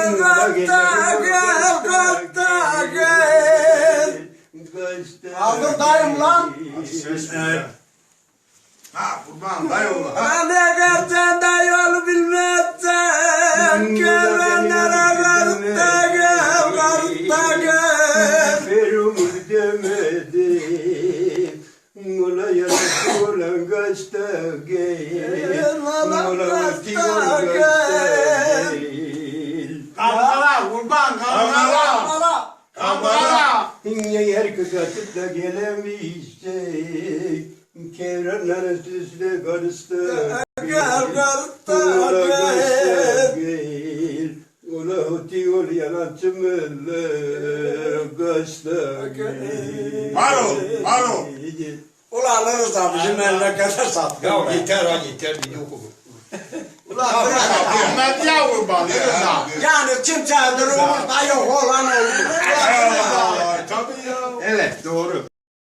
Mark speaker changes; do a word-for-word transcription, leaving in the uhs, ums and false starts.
Speaker 1: Kalkta gel, kalkta gel. Aldır dayım lan.
Speaker 2: Ha kurban dayı oğlu.
Speaker 1: Ben de gerçekten de yolu bilmezsem. Gel benlere kalkta gel, kalkta gel.
Speaker 3: Ferum demedim. Ola yarası olan kaçta gel. Ola
Speaker 1: kaçta gel.
Speaker 2: Kalkala kurban kalkala.
Speaker 1: Bana.
Speaker 2: Kalkala.
Speaker 3: Yer kıkatıp da gelemiştik. Kevranların süsle karıştı.
Speaker 1: Gel, kalkta
Speaker 3: Ola
Speaker 1: gel.
Speaker 3: kaçta gel. Ola hoti ol yalancı mıller. Kaçta gel.
Speaker 2: Maro, Maro.
Speaker 1: Ulan Rıza bizim memlekete sattı.
Speaker 4: Ya yeter ha yeter bir yok olur.
Speaker 1: Ulan
Speaker 2: Ahmet ya kurban. Rıza.
Speaker 1: yani kimse durumumuzda yok olan oldu.
Speaker 2: Tabii ya.
Speaker 4: Evet doğru.